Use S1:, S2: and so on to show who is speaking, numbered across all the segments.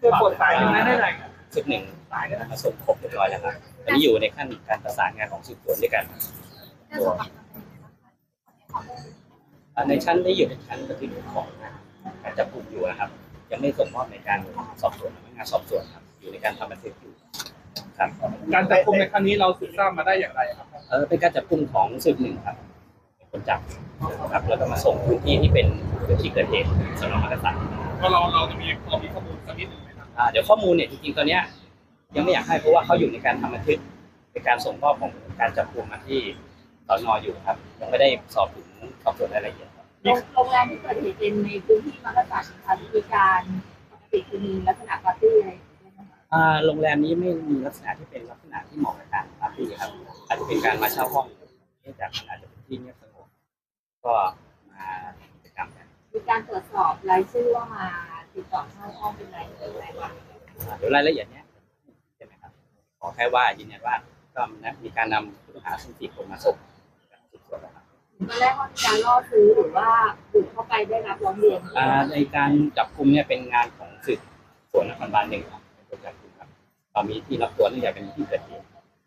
S1: จะปวดสายยังไงได้ไหน
S2: ชุดหนึ่งมาส่งครบเรียบร้อยแล้วครับตอนนี้อยู่ในขั้นการประสานงานของสืบสวนด้วยกันในชั้นได้อยู่ในชั้นบันทึกของการจับกลุ่มอยู่นะครับยังไม่ส่งมอบในการสอบสวนพนักงานสอบสวนครับอยู่ในการทำบันทึกอยู่ครับ
S1: การจับกุมในครั้งนี้เราสืบทราบมาได้อย่างไรครับ
S2: เป็นการจับกลุ่มของสืบหนึ่งครับเป็นคนจับครับแล้วก็มาส่งพื้นที่ที่เป็นพื้นที่เกิดเหตุสน.มักกะสัน
S1: เราจะมีข้อมูลสักนิดหนึ่งไหมครับ
S2: เดี๋ยวข้อมูลเนี่ยจริงๆตอนนี้ยังไม่อยากให้เพราะว่าเขาอยู่ในการทำบันทึกในการส่งมอบของการจับกลุ่มมาที่สน.อยู่ครับยังไม่ได้สอบสวนรายละเอียด
S3: โรงแรมที่เกิดเหตุเป็นในพื้นที่มักกะสันค่ะมีการปกติมีลักษณะปาร์ตี้อะไร
S2: โรงแรมนี้ไม่มีลักษณะที่เป็นลักษณะที่เหมาะกับการปาร์ตี้ครับอาจจะเป็นการมาเช่าห้องเนื่องจากมันอาจจะเป็นที่เงียบสงบก็มากิจกรรมกัน
S3: มีการตรวจสอบรายชื่อว่ามาติดต่อเช่าห้องเป็นไรบ้าง
S2: เดี๋ยวรายละเอียดเนี้ยใช่ไหมครับขอแค่ว่ายืนยันว่าก็มีการนำผู้ต้องหาทั้ง4 คนมาส่งสืบสวนแล้วครับ
S3: ตอนแรกว่ามีการล่อซื้อหรือว่าบุกเข้าไปได้รับร้องเรียน
S2: ในการจับกุมเนี่ยเป็นงานของสืบสวนนครบาล 1ครับเป็นคนจับกุมครับเรามีที่รับตัวเนื่องจากเป็นที่เกิดเหตุ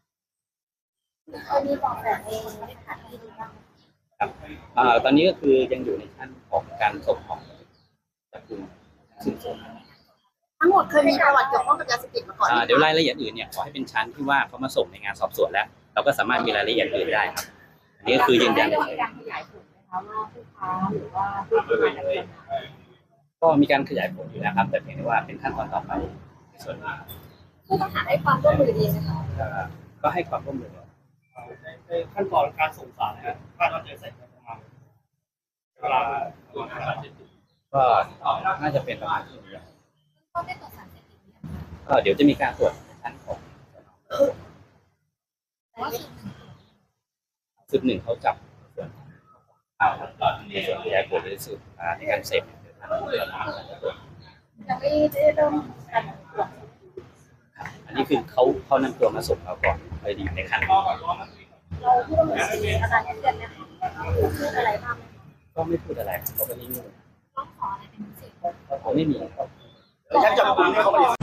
S3: มีบอกแบบเองในขณะที่ดูบ้าง
S2: ครับตอนนี้ก็คือยังอยู่ในขั้นของการส่งของจับกุมสืบสวน
S3: ทั้งหมดเคยมีประวัติเกี่ยวข้องกับยาเสพติดมาก่อน
S2: เดี๋ยวรายละเอียดอื่นเนี่ยขอให้เป็นชั้นที่ว่าเขามาส่งในงานสอบสวนแล้วเราก็สามารถมีรายละเอียดอื่นได้ครับอันนี้ก็คือยืนยัน
S3: เลยการขยายผลนะคะว่าผู้ค้าหรือว่าผู้ที่มาดำเนิน
S2: ก็มีการขยายผลอยู่นะครับแต่เพียงแต่ว่าเป็นขั้นตอนต่อไปในส่วนนี้
S3: ผู้ต้องหาให้ความร่วมมือดีนะคะ
S2: ก็ให้ความร่วมมือ
S1: ในขั้นตอนการส่งสารนะครับคาดว่าจะเสร็จประมาณเวลา
S2: ก็น่าจะเป็นประมาณช่วงนี้
S3: ก็ได้ตรวจสารเสพติด
S2: เดี๋ยวจะมีการตรวจในชั้นของสืบหนึ่งเขาจับส่วนในส่วนขยายผลหรือสืบในการเสพ
S3: ยังไม่ได้เริ่มการตรวจ
S2: อันนี้คือเขานำตัวมาส่งเราก่อนเลยดีในขั้น
S3: เราผู้ต้องหามีอาการเครียดนะคะพูดอะไรบ้าง
S2: ก็ไม่พูดอะไรเขาก็นิ่ง
S3: ต้องขออะไรเป็นพิเศษ
S2: เขาไม่มีครับ
S1: การจับกุมเนี่ยเขา